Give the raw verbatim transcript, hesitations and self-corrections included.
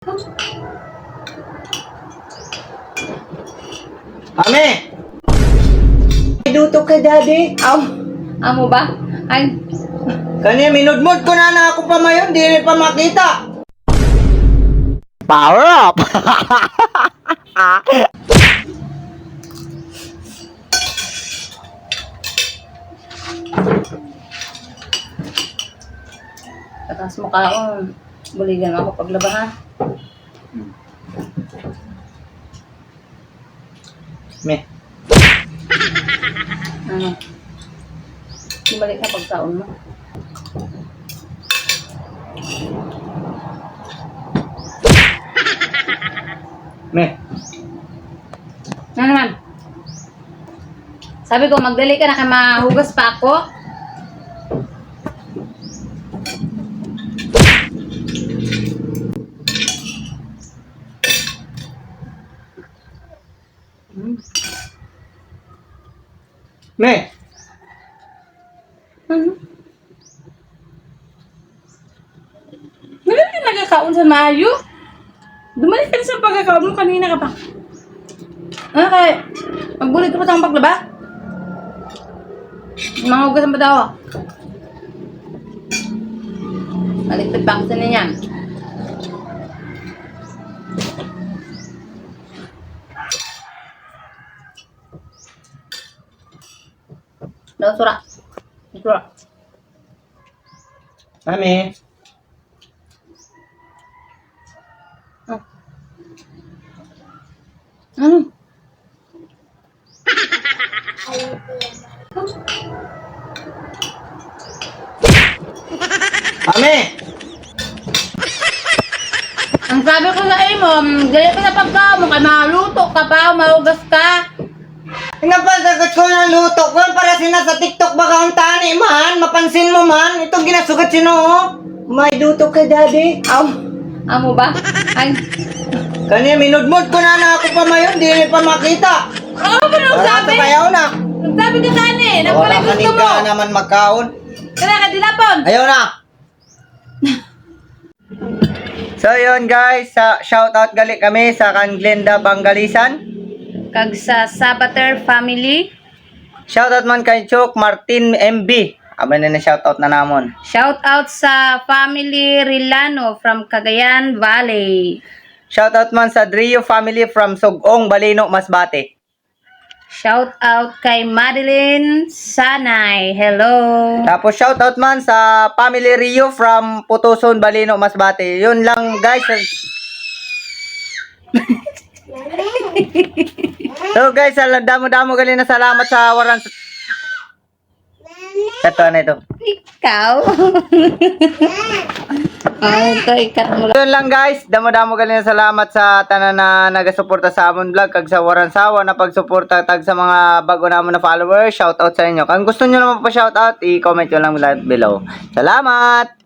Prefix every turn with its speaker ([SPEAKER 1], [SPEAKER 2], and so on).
[SPEAKER 1] Ame! Duto ka, daddy.
[SPEAKER 2] Aw, amo ba? Ay,
[SPEAKER 1] Kanya, minudmod ko na na ako pa mayon, di rin pa makita. Power up!
[SPEAKER 2] tatas mo kaon. Buligan ako paglaba ha.
[SPEAKER 1] Me,
[SPEAKER 2] Ano? Bumalik ka pagkaon mo.
[SPEAKER 1] me.
[SPEAKER 2] Ano naman? Sabi ko, magdali ka na kay mahugas pa ako. Hmm.
[SPEAKER 1] Me,
[SPEAKER 2] Ano? Wala ka nagkakaon sa maayo? Dumalik ka na sa pagkakaon mo kanina ka pa. Ano kaya? Magbulit ka pa sa akong paglaba? Mahugasan pa daw ako. Maligpit pa ako sa niyan. Daw sura. Sura.
[SPEAKER 1] Ame.
[SPEAKER 2] Ah. Ano?
[SPEAKER 1] Ame!
[SPEAKER 2] Ang sabi ko sa imo, dali ka na pagkaon mo, kaya maluto ka pa, mahugas ka.
[SPEAKER 1] Pinapasagot ko ng luto ko para sina sa TikTok baka ang tani man, mapansin mo man, itong ginasugat sino oh. May duto ka, daddy.
[SPEAKER 2] Aw, amo ba? Ay,
[SPEAKER 1] Kanya, minudmod ko na na ako pa mayon, di rin pa makita.
[SPEAKER 2] ano ba nang
[SPEAKER 1] Wala
[SPEAKER 2] sabi?
[SPEAKER 1] ka payaw na.
[SPEAKER 2] Nagsabi ka kani,
[SPEAKER 1] Wala
[SPEAKER 2] nagpalay
[SPEAKER 1] ka
[SPEAKER 2] gusto mo.
[SPEAKER 1] ka naman magkaon.
[SPEAKER 2] Kaya ka dilapon.
[SPEAKER 1] Ayaw na. So yun guys, sa shoutout gali kami sa kan Glenda Bangalisan.
[SPEAKER 2] Kag sa Sabater family.
[SPEAKER 1] Shoutout man kay Chok Martin M B. Aba na na shoutout na namon.
[SPEAKER 2] Shout out sa family Rilano from Cagayan Valley.
[SPEAKER 1] Shoutout man sa Drio family from Sugong, Balino, Masbate.
[SPEAKER 2] Shout out kay Madeline Sanay. Hello.
[SPEAKER 1] Tapos shoutout man sa family Rio from Putuson, Balino, Masbate. Yun lang guys. So guys, ala- damo-damo gali na salamat sa waran. Ito na ito.
[SPEAKER 2] Ikaw. Ay, ito ikat mo lang.
[SPEAKER 1] Yun lang guys, damo-damo gali na salamat sa tanan na nagasuporta sa amon vlog kag sa waran sawa na pagsuporta tag sa mga bago namon na followers. Shoutout sa inyo. Kung gusto niyo naman pa shoutout, i-comment nyo lang below. Salamat.